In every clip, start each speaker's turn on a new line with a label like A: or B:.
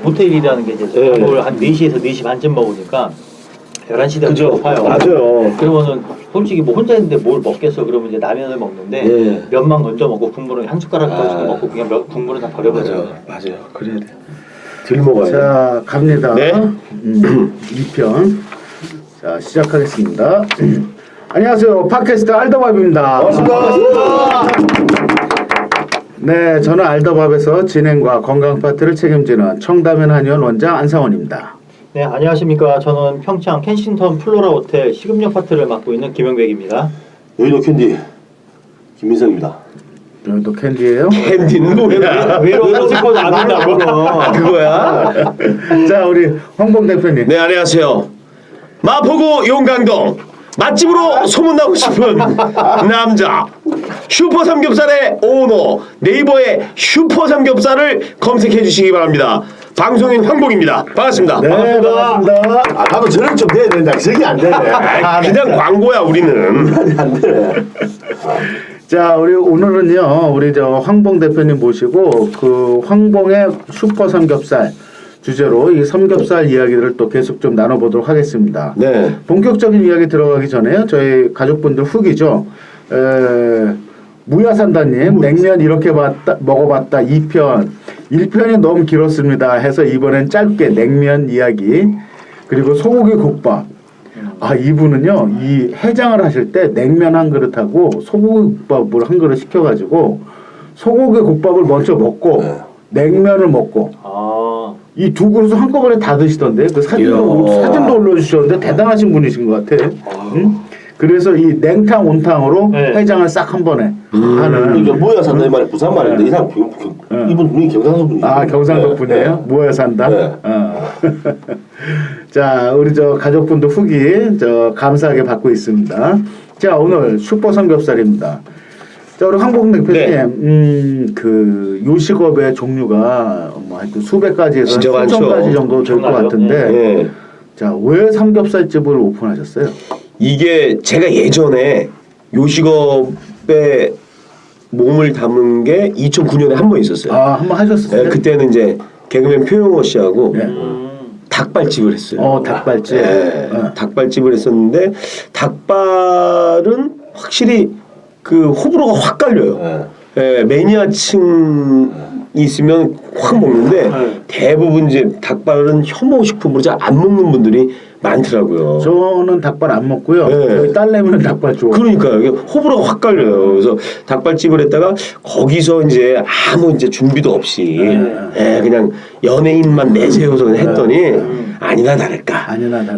A: 모텔이라는 게 이제
B: 네.
A: 밥을 한 4시에서 4시 반쯤 먹으니까 11시 되면
B: 그죠?
A: 배고파요.
B: 맞아요.
A: 그러면은 솔직히 뭐 혼자 있는데 뭘 먹겠어? 그러면 이제 라면을 먹는데
B: 예.
A: 면만 건져 먹고 국물은 한 숟가락 가지고
B: 아.
A: 먹고 그냥 국물은 다 버려버려요.
B: 맞아요. 그래야 돼. 덜 먹어야 돼.
C: 자, 갑니다.
B: 네.
C: 2편. 자, 시작하겠습니다. 안녕하세요. 팟캐스트 알더밥입니다.
B: 반갑습니다.
C: 네, 저는 알더밥에서 진행과 건강 파트를 책임지는 청담면 한의원 원장 안상원입니다.
A: 네, 안녕하십니까. 저는 평창 켄싱턴 플로라 호텔 식음료 파트를 맡고 있는 김영백입니다.
B: 여의도 캔디 김민성입니다.
C: 여기도 캔디예요?
B: 캔디는 뭐야?
A: 외로워서 싶어도 안 된다고.
B: 그거야?
C: 자, 우리 황봉 대표님.
B: 네, 안녕하세요. 마포구 용강동 맛집으로 소문나고 싶은 남자 슈퍼 삼겹살의 오너 네이버에 슈퍼 삼겹살을 검색해 주시기 바랍니다. 방송인 황봉입니다. 반갑습니다.
C: 네, 반갑습니다.
D: 아, 나도 저런 좀 돼야 된다. 저게 안 되네.
B: 그냥 광고야 우리는.
D: 안 되네.
C: 자, 우리 오늘은요, 우리 저 황봉 대표님 모시고 그 황봉의 슈퍼 삼겹살 주제로 이 삼겹살 이야기를 또 계속 좀 나눠보도록 하겠습니다.
B: 네.
C: 본격적인 이야기 들어가기 전에요, 저희 가족분들 후기죠. 무야산다님, 냉면 이렇게 먹어봤다 2편. 1편이 너무 길었습니다 해서 이번엔 짧게 냉면 이야기, 그리고 소고기 국밥. 아, 이분은요, 이 해장을 하실 때 냉면 한 그릇하고 소고기 국밥을 한 그릇 시켜가지고 소고기 국밥을 먼저 먹고 냉면을 먹고
A: 아,
C: 이 두 그릇을 한꺼번에 다 드시던데 그 사진도 올려주셨는데 대단하신 분이신 것 같아. 응? 그래서 이 냉탕 온탕으로
A: 네.
C: 해장을 싹 한 번에 하는.
D: 이게 뭐야 산다 이 말이 부산 말인데 이 사람 이분 분이 경상도 분이에요.
C: 아, 경상도 분이에요? 뭐야 산다?
D: 네.
C: 자, 우리 저 가족분들 후기 저 감사하게 받고 있습니다. 자, 오늘 슈퍼 삼겹살입니다. 자, 우리 황봉 대표님, 그 요식업의 종류가 뭐 하여튼 수백 가지에서
B: 진짜 많죠.
C: 수천 가지 정도 될 것
A: 엄청나죠.
C: 같은데,
B: 네.
C: 자, 왜 삼겹살집을 오픈하셨어요?
B: 이게 제가 예전에 요식업에 몸을 담은 게 2009년에 한 번 있었어요.
C: 아, 한번 하셨어요?
B: 네, 그때는 이제 개그맨 표용호 씨하고
C: 네.
B: 닭발집을 했어요.
C: 닭발집.
B: 네, 닭발집을 했었는데 닭발은 확실히 그 호불호가 확 갈려요. 예, 매니아층이 있으면 확 먹는데 대부분 이제 닭발은 혐오 식품으로 잘 안 먹는 분들이 많더라고요.
C: 저는 닭발 안 먹고요.
B: 네.
C: 저희 딸내미는 닭발 좋아해요.
B: 그러니까요. 이게 호불호가 확 갈려요. 그래서 닭발집을 했다가 거기서 이제 아무 이제 준비도 없이 그냥 연예인만 내세워서 그냥 했더니 아니나 다를까.
C: 아니나 다를까.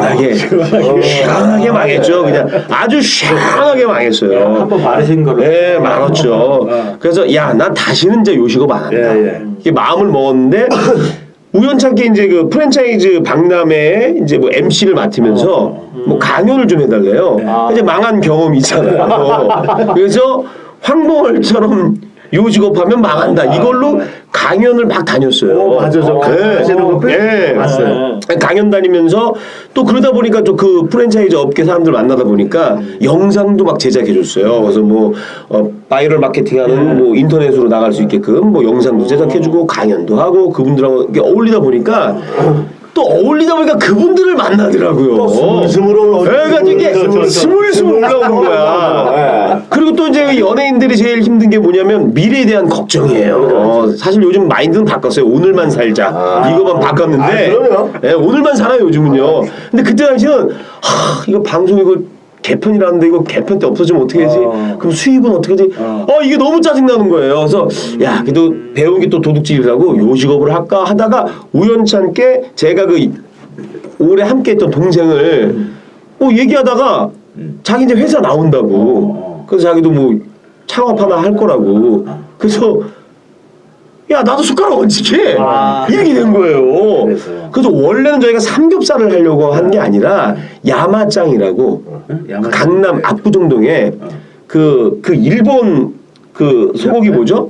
B: 시원하게 망했죠. 그냥 아주 시원하게 망했어요.
A: 한번 말하신 걸로.
B: 네, 많았죠. 그래서 야, 난 다시는 이제 요식업 안 한다. 이게 마음을 먹었는데 우연찮게 이제 그 프랜차이즈 박람회에 이제 뭐 MC를 맡으면서 뭐 강연을 좀 해달래요. 이제 망한 경험이 있잖아요. 그래서 황봉을처럼 요식업하면 망한다. 이걸로 강연을 막 다녔어요.
C: 맞아, 저 하시는 거
B: 봤어요. 강연 다니면서 또 그러다 보니까 또 그 프랜차이즈 업계 사람들 만나다 보니까 영상도 막 제작해줬어요. 그래서 뭐 바이럴 마케팅하는 뭐 인터넷으로 나갈 수 있게끔 뭐 영상도 제작해주고 강연도 하고 그분들하고 이렇게 어울리다 보니까 또 어울리다 보니까 그분들을 만나더라고요.
D: 스물스물 올라오고.
B: 그러니까 이게 스물스물 올라오는 거야. 그리고 또 이제 연예인들이 제일 힘든 게 뭐냐면 미래에 대한 걱정이에요. 사실 요즘 마인드는 바꿨어요. 오늘만 살자. 이거만 바꿨는데 예, 오늘만 살아요 요즘은요. 근데 그때 당시는 이거 방송 이거 개편이라는데 이거 개편 때 없어지면 어떻게 하지? 그럼 수입은 어떻게 하지? 이게 너무 짜증나는 거예요. 그래서 야, 그래도 배운 게 또 도둑질이라고 요식업을 할까 하다가 우연찮게 제가 그 오래 함께했던 동생을 얘기하다가 자기 이제 회사 나온다고. 그래서 자기도 뭐 창업 하나 할 거라고. 그래서 야, 나도 숟가락 얹히게 이렇게 된 거예요. 그래서 원래는 저희가 삼겹살을 하려고 한 게 아니라 야마짱이라고 강남 압구정동에 그 일본 그 소고기 뭐죠?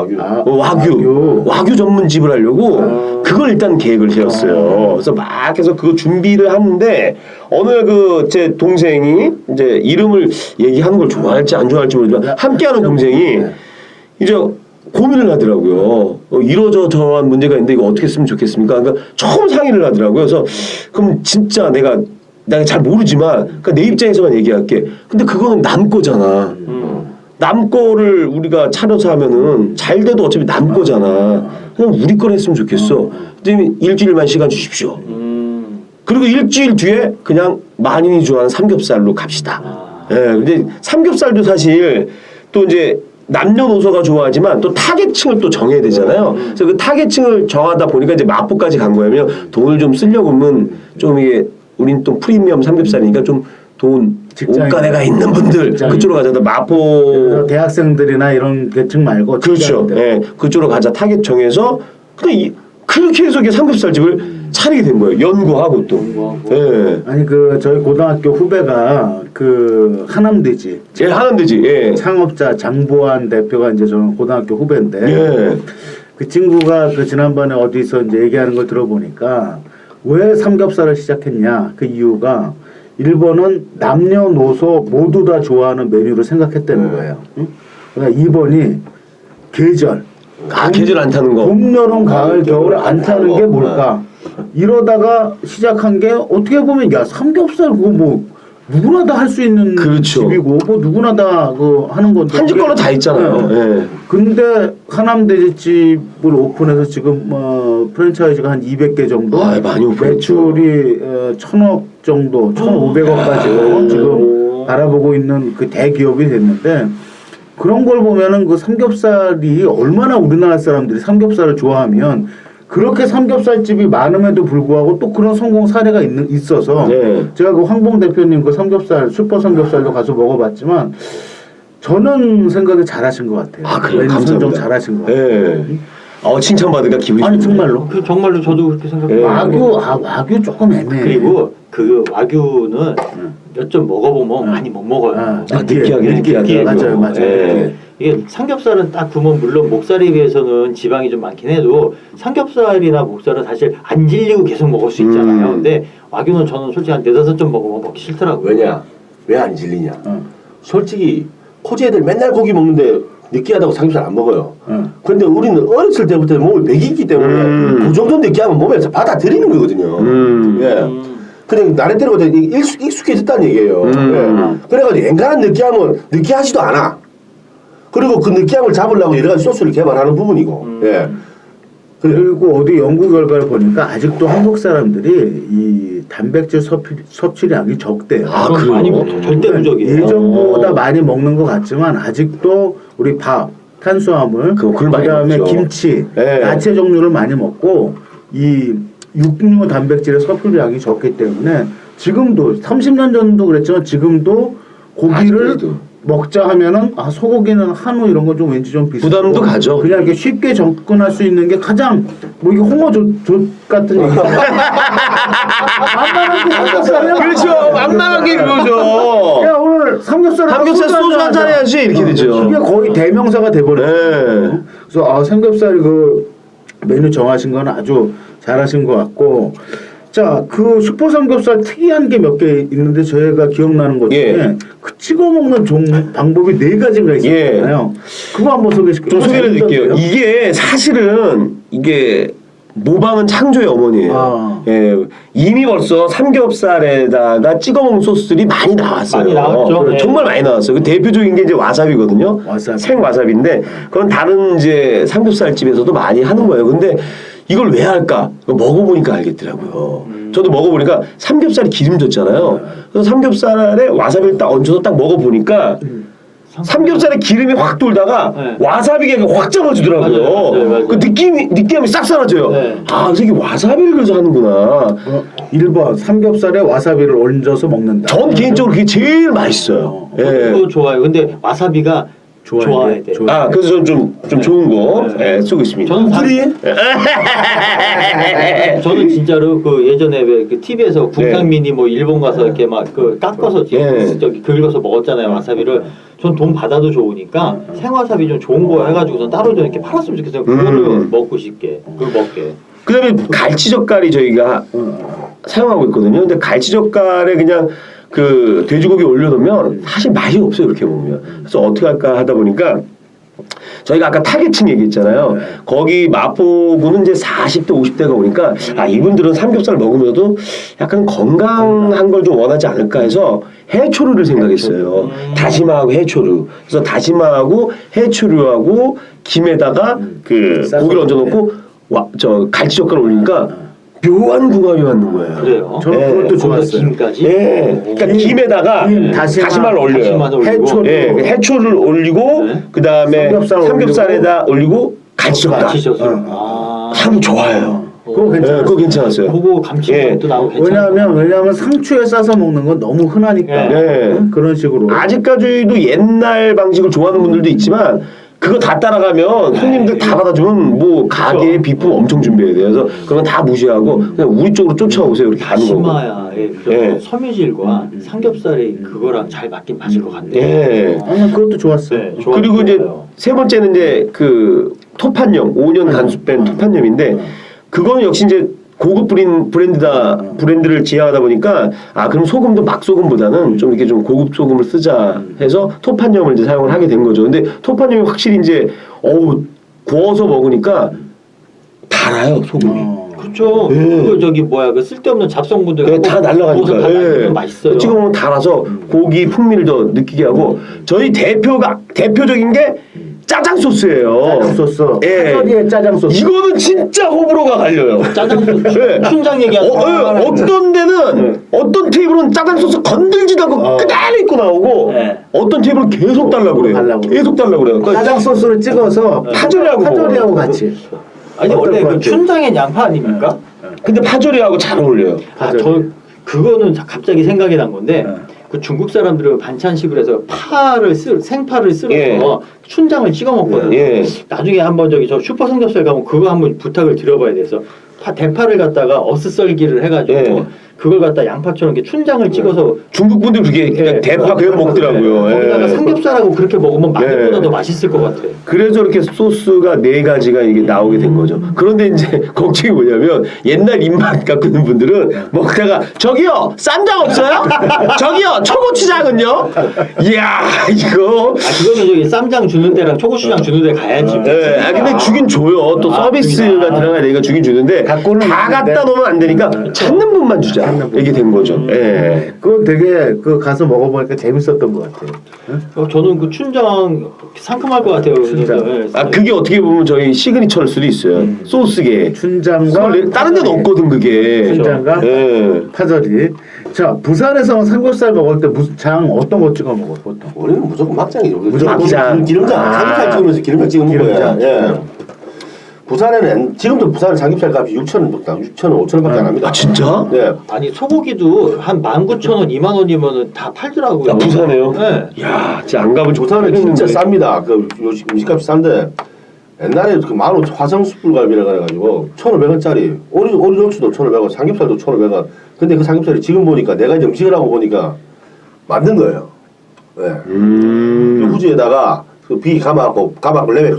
B: 와규 전문집을 하려고 그걸 일단 계획을 세웠어요. 그래서 막 해서 그거 준비를 하는데 어느 날 그 제 동생이 이제 이름을 얘기하는 걸 좋아할지 안 좋아할지 모르지만 함께하는 동생이 이제 고민을 하더라고요. 이러저러한 문제가 있는데 이거 어떻게 쓰면 좋겠습니까? 그러니까 처음 상의를 하더라고요. 그래서 그럼 진짜 내가 잘 모르지만 그러니까 내 입장에서만 얘기할게. 근데 그거는 남 거잖아. 남 거를 우리가 차려서 하면은 잘 돼도 어차피 남 거잖아. 그냥 우리 걸 했으면 좋겠어. 근데 일주일만 시간 주십시오. 그리고 일주일 뒤에 그냥 만인이 좋아하는 삼겹살로 갑시다. 예, 근데 삼겹살도 사실 또 이제 남녀노소가 좋아하지만 또 타겟층을 또 정해야 되잖아요. 그래서 그 타겟층을 정하다 보니까 이제 마포까지 간 거예요. 돈을 좀 쓰려고 하면 좀 이게 우린 또 프리미엄 삼겹살이니까 좀 돈 옷가네가 있는 분들 그쪽으로 가자. 마포
C: 대학생들이나 이런 계층 말고
B: 그렇죠. 예, 그쪽으로 가자 타겟 정해서 그냥 그렇게 해서 이게 삼겹살집을 차리게 된 거예요. 연구하고 또. 예.
C: 아니 그 저희 고등학교 후배가 그 하남대지.
B: 예, 하남대지. 예.
C: 창업자 장보환 대표가 이제 저는 고등학교 후배인데
B: 예.
C: 그 친구가 그 지난번에 어디서 이제 얘기하는 걸 들어보니까 왜 삼겹살을 시작했냐 그 이유가 1번은 남녀노소 모두 다 좋아하는 메뉴를 생각했다는 거예요. 응? 그러니까 2번이 계절.
B: 계절 안 타는 거.
C: 봄, 여름, 가을, 겨울 안 타는 게 뭘까? 이러다가 시작한 게 어떻게 보면 야 삼겹살 그거 뭐 누구나 다 할 수 있는
B: 그렇죠.
C: 집이고 뭐 누구나 다 그 하는 건데
B: 한 집 걸로 다 있잖아요. 예.
C: 근데 하남돼지집을 오픈해서 지금 프랜차이즈가 한 200개 정도
B: 아, 많이 오픈했죠.
C: 매출이 1,000억 정도 1,500억까지 지금 바라보고 있는 그 대기업이 됐는데 그런 걸 보면은 그 삼겹살이 얼마나 우리나라 사람들이 삼겹살을 좋아하면 그렇게 삼겹살집이 많음에도 불구하고 또 그런 성공 사례가 있어서
B: 네.
C: 제가 그 황봉 대표님 그 삼겹살 슈퍼 삼겹살도 가서 먹어봤지만 저는 생각이 잘하신 것 같아요.
B: 아, 그래요?
C: 메뉴 선정
B: 감사합니다.
C: 잘하신 것 같아요.
B: 예. 칭찬받으니까 기분이
C: 아니
B: 좋네요.
C: 정말로.
A: 정말로 저도 그렇게 생각해요.
C: 와규 조금 애매해.
A: 그리고 그 와규는 몇 점 먹어보면 많이 못 먹어요.
B: 느끼하게.
C: 맞아요.
B: 예.
A: 이게 삼겹살은 딱 보면 물론 목살에 비해서는 지방이 좀 많긴 해도 삼겹살이나 목살은 사실 안 질리고 계속 먹을 수 있잖아요. 근데 와규는 저는 솔직히 한 4-5점 먹으면 먹기 싫더라고요.
D: 왜냐? 왜 안 질리냐? 솔직히 코지 애들 맨날 고기 먹는데 느끼하다고 삼겹살 안 먹어요. 근데 우리는 어렸을 때부터 몸을 배기기 때문에 그 정도 느끼하면 몸에서 받아들이는 거거든요. 예. 그냥 나름대로 익숙해졌다는 얘기예요. 예. 그래가지고 엔간한 느끼함은 느끼하지도 않아. 그리고 그 느끼함을 잡으려고 여러 가지 소스를 개발하는 부분이고. 예.
C: 그리고 어디 연구 결과를 보니까 아직도 한국 사람들이 이 단백질 섭취량이 적대요.
A: 그럼 많이 먹죠. 절대 부족이에요.
C: 예전보다 많이 먹는 것 같지만 아직도 우리 밥, 탄수화물,
B: 그걸 많이
C: 그다음에
B: 먹죠.
C: 김치,
B: 네.
C: 야채 종류를 많이 먹고 이 육류 단백질의 섭취량이 적기 때문에 지금도 30년 전도 그랬지만 지금도 고기를
B: 아직도.
C: 먹자 하면은 소고기는 한우 이런 거 좀 왠지 좀 비싸고
B: 부담도 가죠.
C: 그냥 이렇게 쉽게 접근할 수 있는 게 가장 뭐 이게 홍어젓 같은 얘기.
B: 그렇죠. 만만한 게 그거죠.
C: 야 오늘 삼겹살
B: 소주 한잔 해야지 이렇게 되죠.
C: 이게 거의 대명사가 돼버렸어요.
B: 네.
C: 그래서 삼겹살 그 메뉴 정하신 건 아주 잘하신 것 같고. 자, 그 슈퍼 삼겹살 특이한 게 몇 개 있는데 저희가 기억나는 것 중에
B: 예.
C: 그 찍어 먹는 방법이 4가지가 있었잖아요. 그거 한번
B: 좀 소개를 드릴게요. 이게 사실은 이게 모방은 창조의 어머니예요. 예, 이미 벌써 삼겹살에다가 찍어 먹는 소스들이 많이 나왔어요.
A: 많이 나왔죠. 네.
B: 정말 많이 나왔어요. 그 대표적인 게 이제 와사비거든요.
C: 와사비.
B: 생와사비인데 그건 다른 이제 삼겹살집에서도 많이 하는 거예요. 근데 이걸 왜 할까? 먹어보니까 알겠더라고요. 저도 먹어보니까 삼겹살이 기름졌잖아요. 그래서 삼겹살에 와사비를 딱 얹어서 딱 먹어보니까 삼겹살에 기름이 확 돌다가
A: 네.
B: 와사비가 확 잡아주더라고요.
A: 맞아요.
B: 그 느끼함이 싹 사라져요.
A: 네.
B: 그래서 이게 와사비를 그래서 하는구나.
C: 1번 삼겹살에 와사비를 얹어서 먹는다.
B: 전 개인적으로 그게 제일 맛있어요. 예.
A: 그거 좋아요. 근데 와사비가 좋아야 돼.
B: 그래서 저는 좀 좋은 거 쓰고 있습니다.
A: 저는 진짜로 그 예전에 왜 그 TV에서 국상민이 뭐 일본 가서 이렇게 막 그 깎아서 저기 긁어서 먹었잖아요 와사비를. 전 돈 받아도 좋으니까 생와사비 좀 좋은 거 해가지고서 따로 좀 이렇게 팔았으면 좋겠어요. 그거를 먹고 싶게 그걸 먹게.
B: 그다음에 갈치젓갈이 저희가 사용하고 있거든요. 근데 갈치젓갈에 그냥 그 돼지고기 올려놓으면 사실 맛이 없어요. 이렇게 먹으면. 그래서 어떻게 할까 하다 보니까 저희가 아까 타겟층 얘기했잖아요. 거기 마포구는 이제 40대 50대가 오니까 아 이분들은 삼겹살 먹으면서도 약간 건강한 걸 좀 원하지 않을까 해서 해초류를 생각했어요. 다시마하고 해초류. 그래서 다시마하고 해초류하고 김에다가 그 고기를 얹어놓고 저 갈치젓갈 올리니까 묘한 궁합이 맞는 거예요.
A: 그래요?
C: 저는
B: 예.
C: 그것도
A: 거기다
C: 좋았어요.
A: 김까지?
B: 예. 그러니까 김에다가 다시마를 올려요.
A: 다시마도 올리고.
C: 해초를
B: 예, 해초를 올리고
A: 네.
B: 그 다음에 삼겹살에다 올리고 갈치젓갈.
A: 갈치젓갈.
B: 향이 좋아요.
C: 그거
B: 예,
C: 괜찮아요.
B: 그거 괜찮았어요.
A: 그거 감칠맛도 나고 괜찮아요.
C: 왜냐하면 상추에 싸서 먹는 건 너무 흔하니까
B: 네.
C: 그런 식으로.
B: 아직까지도 옛날 방식을 좋아하는 분들도 있지만 그거 다 따라가면 손님들 다 받아주면 뭐 가게에 비품 엄청 준비해야 돼요. 그래서 그건 다 무시하고 그냥 우리 쪽으로 쫓아오세요 이렇게 하는 거고.
A: 다시마야의
B: 예.
A: 섬유질과 삼겹살이 그거랑 잘 맞긴 맞을 것 같네요.
B: 예.
C: 그것도 좋았어요.
A: 네,
B: 그리고 이제
A: 좋아요.
B: 세 번째는 이제 그 토판염 5년 간수 뺀 토판염인데 그거는 역시 이제 고급 브랜드를 지향하다 보니까 아 그럼 소금도 막 소금보다는 좀 이렇게 좀 고급 소금을 쓰자 해서 토판염을 이제 사용을 하게 된 거죠. 근데 토판염이 확실히 이제 구워서 먹으니까 달아요 소금이.
A: 그렇죠.
B: 예.
A: 그거 저기 뭐야 그 쓸데없는 잡성분들
B: 네, 다 날라가니까.
A: 다
B: 예.
A: 맛있어요.
B: 찍어 먹으면 달아서 고기 풍미를 더 느끼게 하고 저희 대표적인 게 짜장 소스예요.
C: 짜장 소스.
B: 예.
C: 파절이에 짜장 소스.
B: 이거는 진짜 호불호가 갈려요.
A: 짜장 소스
B: 예.
A: 춘장 얘기하는
B: 어떤 데는 어떤 테이블은 짜장 소스 건들지도 않고 그대로 입고 나오고
A: 네.
B: 어떤 테이블은 계속 달라고 그래요.
C: 달라고
B: 계속 달라고 그래요. 그러니까
C: 짜장 소스를 찍어서 파절이하고 같이.
A: 아니
C: 어떨
A: 원래
C: 것
A: 그
C: 같아요?
A: 춘장엔 양파 아닙니까?
B: 근데 파절이하고 잘 어울려요.
A: 저 그거는 갑자기 생각이 난 건데 그 중국 사람들은 반찬식으로 해서 생파를 쓸어서
B: 예.
A: 춘장을 찍어 먹거든요.
B: 예.
A: 나중에 한번 저기 저 슈퍼 삼겹살 가면 그거 한번 부탁을 드려봐야 돼서 대파를 갖다가 어슷썰기를 해가지고
B: 예.
A: 그걸 갖다 양파처럼 이렇게 춘장을 찍어서
B: 중국 분들 그게 그냥 대파 그냥 먹더라고요.
A: 거기다가
B: 예.
A: 삼겹살하고 그렇게 먹으면 마늘보다
B: 예.
A: 더 맛있을 것 같아요.
B: 그래서 이렇게 소스가 4가지가 이게 나오게 된 거죠. 그런데 이제 걱정이 뭐냐면 옛날 입맛 갖고 있는 분들은 먹다가 저기요 쌈장 없어요? 저기요 초고추장은요? 이야 이거
A: 그거는 저기 쌈장 주는 데랑 초고추장 주는 데 가야지.
B: 예, 근데 주긴 줘요. 또 서비스가
A: 주긴,
B: 들어가야 되니까 주긴 주는데
C: 갖고는
B: 다
C: 있는데.
B: 갖다 놓으면 안 되니까 찾는 분만 주자. 이게 된 거죠. 예.
C: 그거 되게 그 가서 먹어보니까 재밌었던 것 같아요.
A: 저는 그 춘장 상큼할 것 같아요.
C: 춘장.
A: 그래서
B: 그게 어떻게 보면 저희 시그니처일 수도 있어요. 소스게.
C: 춘장과
B: 다른 데는 없거든 그게.
C: 춘장과
B: 예.
C: 파절이. 자 부산에서 삼겹살 먹을 때 무슨 장 어떤 거 찍어 먹어 보통?
D: 우리는 무조건 막장이죠.
B: 무조건 막장.
D: 기름장. 삼겹살 찍으면서 기름장 찍어 먹어야.
C: 기름장.
D: 예. 부산에는 지금도 부산 삼겹살 값이 6,000원, 5,000원밖에 안 합니다.
B: 아 진짜?
D: 네.
A: 아니 소고기도 한 19,000원, 20,000원이면 다 팔더라고요.
B: 야, 부산에요?
A: 네.
B: 야, 진짜 안 가본
D: 부산은 진짜 쌉니다. 그 요즘 음식값이 싼데 옛날에 그 만원 화성숯불갈비라 그래가지고 1,500원짜리 오리족수도 1,500원, 삼겹살도 1,500원. 근데 그 삼겹살이 지금 보니까 내가 이제 음식을 하고 보니까 만든 거예요. 네. 그 후지에다가 그 비 감아갖고 레벨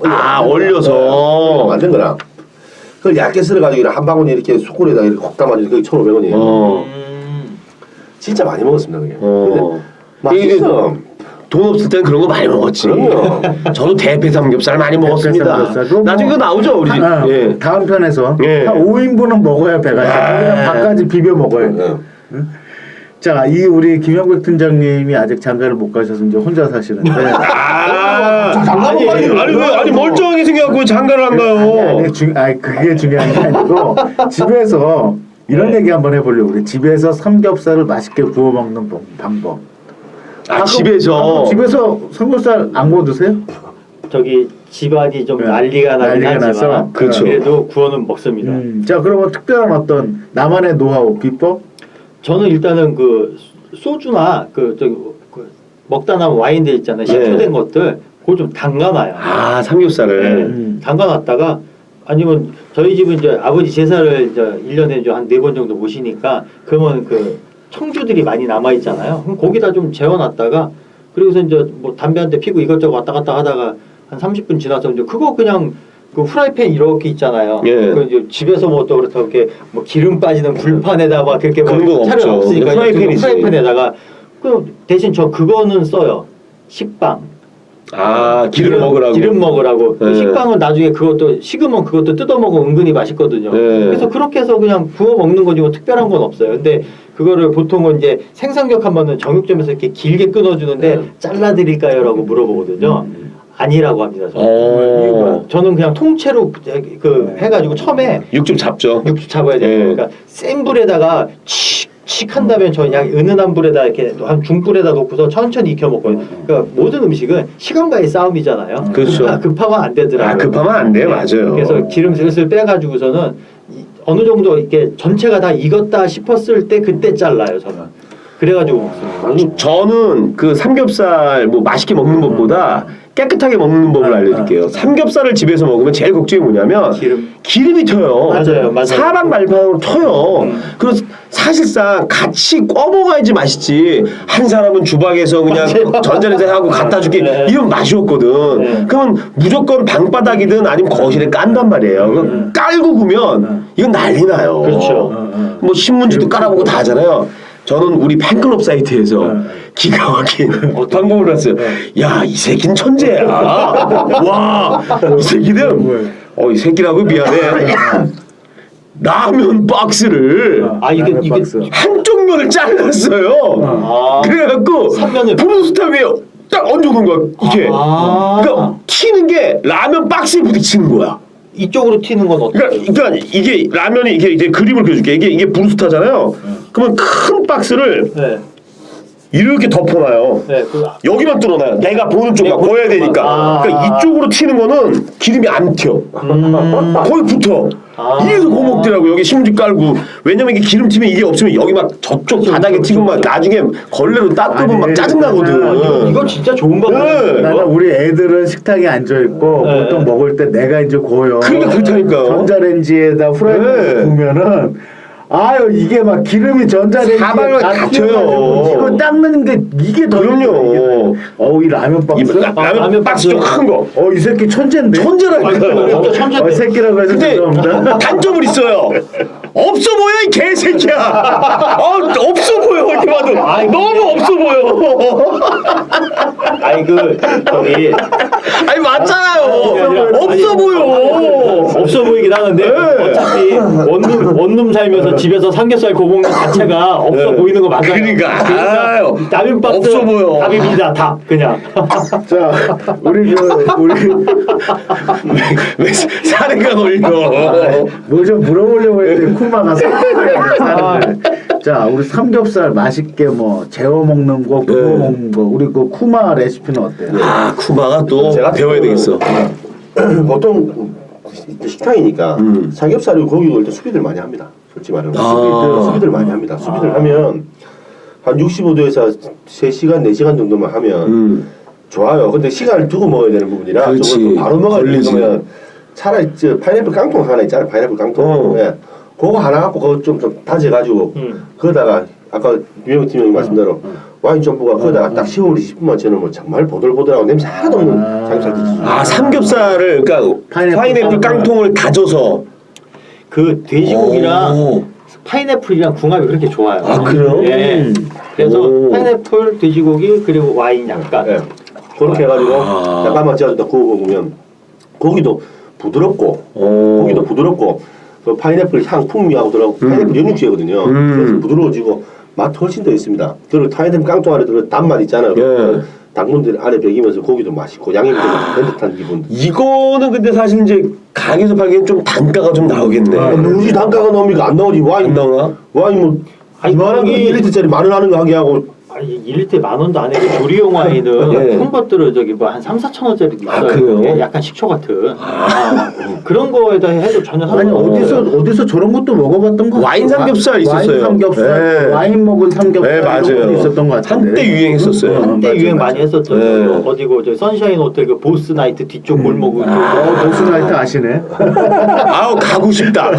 B: 올려서
D: 만든 거라. 그걸 얇게 썰어가지고 한 방울에 이렇게 숯불에다가 이렇게 콕 담아주니까 그게 1,500원이에요. 진짜 많이 먹었습니다 그게. 근데 맛있어.
B: 돈 없을 땐 그런 거 많이 먹었지.
D: 그럼요.
B: 저도 대패 삼겹살 많이 먹었습니다.
C: 삼겹살도
B: 나중에 그거 나오죠 우리 집. 예.
C: 다음 편에서
B: 예.
C: 한 5인분은 먹어야 배가 차. 밥까지 비벼 먹어야 돼. 자, 이 우리 김영백 팀장님이 아직 장가를 못 가셔서 이제 혼자 사시는데.
B: 아니 멀쩡하게 생겨갖고 왜 장가를 안 가요?
C: 아니 그게 중요한 게 아니고 집에서 이런 얘기 한번 해보려고 그래. 집에서 삼겹살을 맛있게 구워 먹는 방법.
B: 집에서
C: 삼겹살 안 구워 드세요?
A: 저기 집안이 좀
C: 네.
A: 난리가 나긴
C: 난리가
A: 하지만
C: 나서.
B: 그렇죠.
A: 그래도 구워는 먹습니다.
C: 자, 그러면 특별한 어떤 나만의 노하우 비법?
A: 저는 일단은 그 소주나 그 먹다 남은 와인들 있잖아요. 식초된 것들 그걸 좀 담가놔요.
B: 삼겹살을.
A: 담가놨다가 아니면 저희 집은 이제 아버지 제사를 이제 1년에 한 4번 정도 모시니까 그러면 그 청주들이 많이 남아 있잖아요. 그럼 거기다 좀 재워놨다가 그리고서 이제 뭐 담배 한 대 피고 이것저것 왔다 갔다 하다가 한 30분 지나서 이제 그거 그냥 그 프라이팬 이렇게 있잖아요.
B: 예.
A: 그 이제 집에서 뭐 또 그렇다고 이렇게 뭐 기름 빠지는 불판에다 막 그렇게
B: 그런 거
A: 차려
B: 없죠.
A: 없으니까
B: 프라이팬이지.
A: 프라이팬에다가 그 대신 저 그거는 써요. 식빵.
B: 기름 먹으라고.
A: 기름 먹으라고.
B: 네.
A: 식빵은 나중에 그것도 식으면 그것도 뜯어 먹으면 은근히 맛있거든요.
B: 네.
A: 그래서 그렇게 해서 그냥 부어 먹는 거지 뭐 특별한 건 없어요. 근데 그거를 보통은 이제 생선격 하면은 정육점에서 이렇게 길게 끊어주는데 잘라드릴까요라고 물어보거든요. 아니라고 합니다. 저는. 저는 그냥 통째로 그 해가지고 처음에
B: 육즙 잡죠.
A: 육수 잡아야 돼요.
B: 네.
A: 그러니까 센 불에다가 칙 한 다음에 저는 그냥 은은한 불에다 이렇게 한 중불에다 놓고서 천천히 익혀 먹거든요. 그러니까 모든 음식은 시간과의 싸움이잖아요.
B: 그렇죠.
A: 급하면 안 되더라고요.
B: 급하면 안 돼, 맞아요.
A: 그래서 기름 슬슬 빼가지고서는 어느 정도 이렇게 전체가 다 익었다 싶었을 때 그때 잘라요 저는. 그래가지고 먹습니다.
B: 저는 그 삼겹살 뭐 맛있게 먹는 것보다 깨끗하게 먹는 법을 알려드릴게요. 삼겹살을 집에서 먹으면 제일 걱정이 뭐냐면 기름이 튀어요.
A: 맞아요.
B: 사방발판으로 튀어요. 그래서 사실상 같이 꺼 먹어야지 맛있지. 한 사람은 주방에서 그냥 전자레인지 하고 갖다 주기 이런 맛이 없거든. 그러면 무조건 방바닥이든 아니면 거실에 깐단 말이에요. 그럼 깔고 구면 이건 난리 나요.
A: 그렇죠.
B: 뭐 신문지도 깔아보고 다 하잖아요. 저는 우리 팬클럽 사이트에서 기가 막힌 방법을 봤어요. 야, 이 새끼는 천재야. 와, 이 새끼는 이 새끼라고 미안해. 라면 박스를
A: 이게
B: 한쪽 면을 잘랐어요. 그래갖고 브루스타 위에 딱 얹어놓은 거야. 이게. 그러니까 튀는 게 라면 박스에 부딪히는 거야.
A: 이쪽으로 튀는 건 어때요?
B: 그러니까 이게 라면이 이게 그림을 그려줄게. 이게 브루스타잖아요. 그러면 큰 박스를 이렇게 덮어놔요. 여기만 뚫어놔요. 내가 보는 쪽만 보여야 되니까. 그러니까 이쪽으로 튀는 거는 기름이 안 튀어. 거의 붙어. 이래서 고목더라고. 여기 신문지 깔고. 왜냐면 이게 기름 튀면 이게 없으면 여기 막 저쪽 바닥에 튀고 막 나중에 걸레로 닦으면 막 짜증나거든.
A: 이거 진짜 좋은 방법이에요.
C: 나는 우리 애들은 식탁에 앉아 있고 보통 먹을 때 내가 이제 고요.
B: 그러니까 그렇다니까요.
C: 전자레인지에다 후라이팬 구면은 이게 막 기름이 전자레인지에
B: 사방을
C: 다
B: 갇혀요.
C: 튀어가지고 이거 닦는 게 이게 더
B: 그럼요.
C: 이 라면 박스.
B: 라면 박스 좀 큰 거.
C: 이 새끼 천재인데.
B: 천재라니까요.
A: 진짜 천재인데.
C: 새끼라고 해서
B: 근데
C: 죄송합니다.
B: 단점은 있어요. 없어 보여 이 개새끼야. 없어 보여 이렇게 봐도 너무 없어 보여. 아니 맞잖아요. 없어 보여.
A: 없어 보이긴 하는데 어차피 원룸 살면서 집에서 삼겹살 구워 먹는 자체가 없어 보이는 거 맞아요.
B: 그러니까
A: 라면 박스
B: 없어 보여.
A: 답입니다. 답 그냥.
C: 자, 우리
B: 왜 사례가 걸려?
C: 뭐 좀 물어보려고 했는데 쿠마가 자, 우리 삼겹살 맛있게 뭐 재워 먹는 거, 구워 먹는 거, 우리 그 쿠마 레시피는 어때요?
B: 쿠마가 또
D: 제가
B: 배워야 되겠어.
D: 보통 식당이니까 삼겹살이고 고기 구울 때 수비들 많이 합니다. 솔직히 말하면 수비들 많이 합니다. 수비들 하면 한 65도에서 3시간, 4시간 정도만 하면 좋아요. 근데 시간을 두고 먹어야 되는 부분이라 저걸 바로 먹어야 되면 차라리 저 파인애플 깡통 하나 있잖아요. 파인애플 깡통. 그거 하나 갖고 그거 좀 다져가지고 거기다가 아까 유명 팀장님 말씀대로 와인 전부가 거기다가 딱 15분, 20분만 재놓으면 정말 보들보들하고 냄새 하나도 없는 삼겹살 드시죠.
B: 삼겹살을 그러니까 파인애플 깡통을 다져서
A: 그 돼지고기랑 파인애플이랑 궁합이 그렇게 좋아요.
B: 그래요?
A: 예. 그래서 파인애플, 돼지고기 그리고 와인 약간
D: 그렇게 해가지고 약간만 재워서 구워 먹으면 고기도 부드럽고 그 파인애플 향 풍미하고 들어가고 파인애플 영육제거든요. 그래서 부드러워지고 맛 훨씬 더 있습니다. 그리고 파인애플 깡통 안에 들어간 단맛 있잖아요. 당분들 안에 배기면서 고기도 맛있고 양념이 좀 든든한 기분.
B: 이거는 근데 사실 이제 가게에서 팔기엔 좀 단가가 좀 나오겠네.
D: 우리 단가가 나옵니까? 안 나오지. 와인
B: 나와?
D: 와인 뭐 이만한 거 1리터짜리 10,000원 하는 거 하게 하고
A: 1리터에 10,000원도 안 해도 조리용 와인은 큰 것들은 저기 뭐 한 3,000~4,000원짜리도 있어요.
B: 그래요?
A: 예, 약간 식초 같은 그런 거에다 해도 전혀
C: 아니
A: 상관없어요.
C: 어디서 저런 것도 먹어봤던 거
B: 와인 삼겹살 있었어요.
C: 와인 삼겹살, 와인 먹은 삼겹살
B: 맞아요.
C: 이런 것도 있었던 것 같은데.
B: 한때 유행했었어요.
A: 한때 유행 많이 했었죠.
B: 네.
A: 어디고 저 선샤인 호텔 그 보스 나이트 뒤쪽 골목을
C: 보스나이트 아시네.
B: 가고 싶다.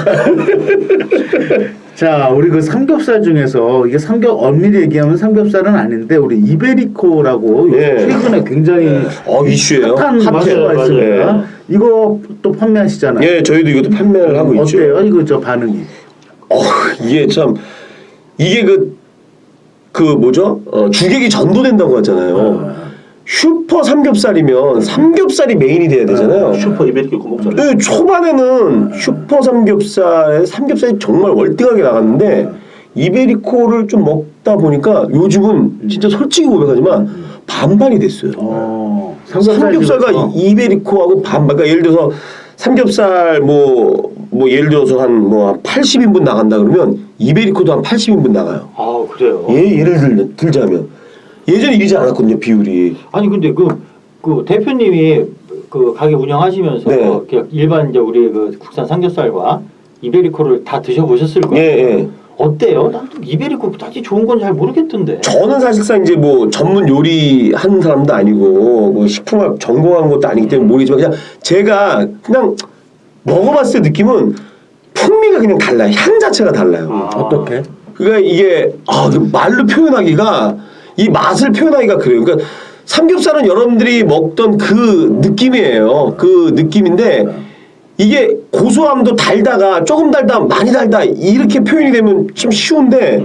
C: 자, 우리 그 삼겹살 중에서 이게 엄밀히 얘기하면 삼겹살은 아닌데 우리 이베리코라고 최근에 굉장히
B: 이슈예요.
C: 핫한 맛가 있습니다. 이거 또 판매하시잖아요.
B: 예, 저희도 이것도 판매를 하고 있죠.
C: 어때요? 이거 저 반응이?
B: 이게 참 이게 그 뭐죠? 주객이 전도된다고 하잖아요. 슈퍼 삼겹살이면 삼겹살이 메인이 돼야 되잖아요.
D: 슈퍼 이베리코 그 먹잖아요.
B: 네, 초반에는 슈퍼 삼겹살에 삼겹살이 정말 월등하게 나갔는데 이베리코를 좀 먹다 보니까 요즘은 진짜 솔직히 고백하지만 반반이 됐어요. 삼겹살과 이베리코하고 반반. 그러니까 예를 들어서 삼겹살 뭐 예를 들어서 한 80인분 나간다 그러면 이베리코도 한 80인분 나가요.
A: 아 그래요.
B: 예를 들자면 예전에 이러지 않았거든요 비율이.
A: 아니 근데 그 대표님이 그 가게 운영하시면서
B: 네.
A: 그냥 일반 이제 우리 그 국산 삼겹살과 이베리코를 다 드셔보셨을 거예요.
B: 예.
A: 어때요? 난 또 이베리코 딱히 좋은 건 잘 모르겠던데.
B: 저는 사실상 이제 뭐 전문 요리 하는 사람도 아니고 뭐 식품학 전공한 것도 아니기 때문에 모르지만 그냥 제가 그냥 먹어봤을 때 느낌은 풍미가 그냥 달라요. 향 자체가 달라요.
C: 어떻게?
B: 그러니까 이게 말로 표현하기가 이 맛을 표현하기가 그래요. 그러니까 삼겹살은 여러분들이 먹던 그 느낌이에요. 그 느낌인데 이게 고소함도 달다가 조금 달다 많이 달다 이렇게 표현이 되면 좀 쉬운데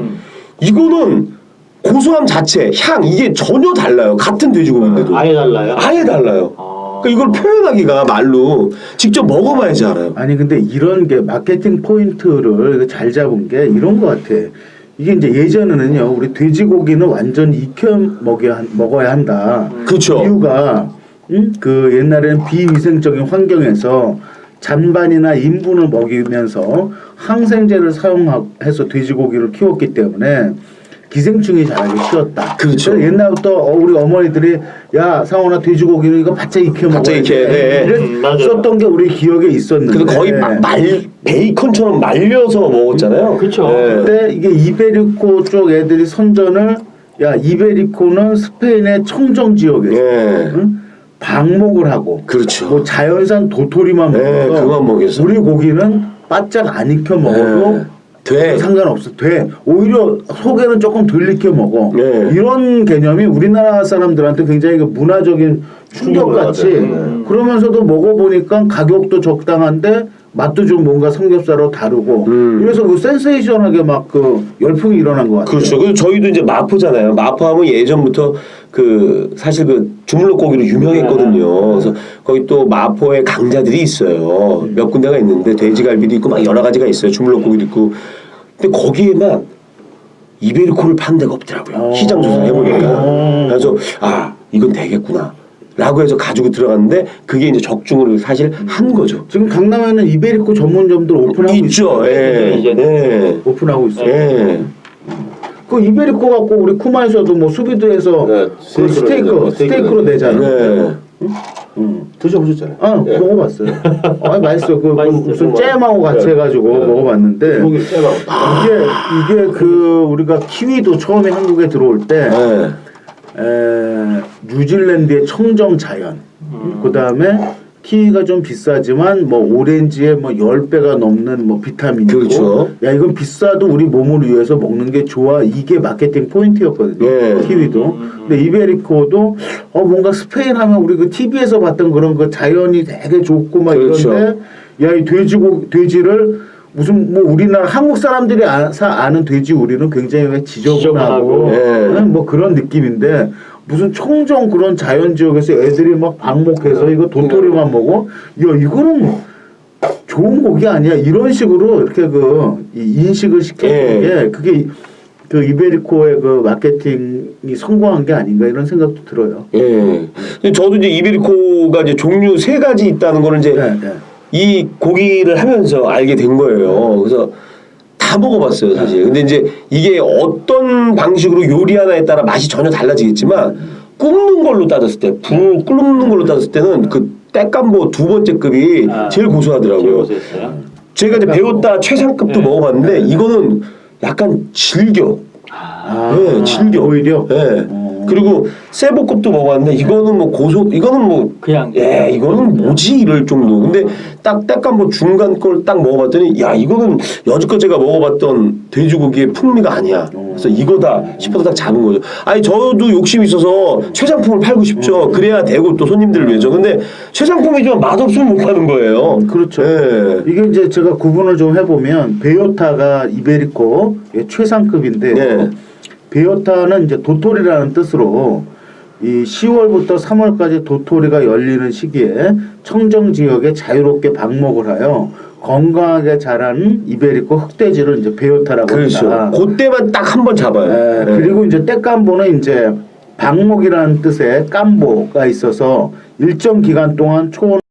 B: 이거는 고소함 자체, 향 이게 전혀 달라요. 같은 돼지고기인데도
A: 아예 달라요?
B: 아예 달라요. 그러니까 이걸 표현하기가 말로 직접 먹어봐야지 알아요.
C: 아니 근데 이런 게 마케팅 포인트를 잘 잡은 게 이런 것 같아. 이게 이제 예전에는요 우리 돼지고기는 완전 익혀 먹어야 한다.
B: 그렇죠.
C: 이유가 그 옛날에는 비위생적인 환경에서 잔반이나 인분을 먹이면서 항생제를 사용해서 돼지고기를 키웠기 때문에 기생충이 자라게 키웠다.
B: 그렇죠.
C: 그래서 옛날부터 우리 어머니들이 야 상원아 돼지고기는 이거 바짝 익혀 먹어야
B: 바짝 익혀야 돼.
C: 썼던 게 우리 기억에 있었는데.
B: 그래서 거의 베이컨처럼 말려서 먹었잖아요.
A: 그렇죠.
C: 근데 이게 이베리코 쪽 애들이 선전을 야 이베리코는 스페인의 청정 지역에서 응? 방목을 하고
B: 그렇죠.
C: 뭐 자연산 도토리만 먹어서
B: 그만 먹여서
C: 우리 고기는 바짝 안 익혀 먹어도
B: 돼.
C: 상관없어. 돼. 오히려 속에는 조금 덜 익혀 먹어.
B: 네.
C: 이런 개념이 우리나라 사람들한테 굉장히 그 문화적인 충격같이 그러면서도 먹어보니까 가격도 적당한데 맛도 좀 뭔가 삼겹살하고 다르고 그래서 그 센세이션하게 막 그 열풍이 일어난 것 같아요.
B: 그렇죠. 그래서 저희도 이제 마포잖아요. 마포하면 예전부터 그 사실 그 주물럭 고기로 유명했거든요. 그래서 거기 또 마포에 강자들이 있어요. 몇 군데가 있는데 돼지갈비도 있고 막 여러 가지가 있어요. 주물럭 고기도 있고. 근데 거기에만 이베리코를 파는 데가 없더라고요. 시장 조사를 해보니까. 그래서 이건 되겠구나. 라고 해서 가지고 들어갔는데 그게 이제 적중을 사실 한 거죠.
C: 지금 강남에는 이베리코 전문점들 오픈하고
B: 있죠. 예.
C: 오픈하고 있어요.
B: 예.
C: 그 이베리코 갖고 우리 쿠마에서도 뭐 수비드에서 그 스테이크로 내잖아요.
D: 드셔보셨잖아요.
C: 먹어봤어요. 맛있어요. 그 무슨 잼하고 같이 해가지고 먹어봤는데 이게 그 우리가 키위도 처음에 한국에 들어올 때 뉴질랜드의 청정 자연 그 다음에 키위가 좀 비싸지만 뭐 오렌지에 뭐 10배가 넘는 뭐 비타민이 있고
B: 그렇죠.
C: 야 이건 비싸도 우리 몸을 위해서 먹는 게 좋아 이게 마케팅 포인트였거든요. 키위도 근데 이베리코도 뭔가 스페인 하면 우리 그 TV에서 봤던 그런 그 자연이 되게 좋고 막
B: 그렇죠.
C: 이런데 야 이 돼지를 무슨 뭐 우리나라 한국 사람들이 아는 돼지 우리는 굉장히 왜 지저분하고 뭐 그런 느낌인데 무슨 청정 그런 자연 지역에서 애들이 막 방목해서 이거 도토리만 먹어 야 이거는 좋은 고기 아니야 이런 식으로 이렇게 이 인식을 시켰던 게 그게 그 이베리코의 그 마케팅이 성공한 게 아닌가 이런 생각도 들어요.
B: 저도 이제 이베리코가 이제 종류 3가지 있다는 거를 이제 이 고기를 하면서 알게 된 거예요. 그래서 다 먹어봤어요, 사실. 근데 이제 이게 어떤 방식으로 요리하나에 따라 맛이 전혀 달라지겠지만 굽는 걸로 따졌을 때, 굽는 걸로 따졌을 때는 그 떼깐보 2번째 급이 제일 고소하더라고요. 제가 이제 배웠다 최상급도 먹어봤는데 이거는 약간 질겨. 질겨.
C: 오히려.
B: 그리고 세보급도 먹어봤는데 이거는 뭐 이거는 뭐
A: 그냥
B: 이거는 뭐지 이럴 정도. 근데 딱 뭐 중간 걸 딱 먹어봤더니 야 이거는 여지껏 제가 먹어봤던 돼지고기의 풍미가 아니야. 그래서 이거다 싶어서 딱 잡은 거죠. 아니 저도 욕심이 있어서 최상품을 팔고 싶죠. 그래야 되고 또 손님들을 위해서. 근데 최상품이지만 맛없으면 못 파는 거예요.
C: 그렇죠. 이게 이제 제가 구분을 좀 해보면 베요타가 이베리코 최상급인데 베요타는 이제 도토리라는 뜻으로 이 10월부터 3월까지 도토리가 열리는 시기에 청정 지역에 자유롭게 방목을 하여 건강하게 자라는 이베리코 흑돼지를 이제 베요타라고
B: 그렇죠.
C: 합니다.
B: 그때만 딱 한 번 잡아요.
C: 예, 그리고 이제 떼깐보는 이제 방목이라는 뜻의 깐보가 있어서 일정 기간 동안 초원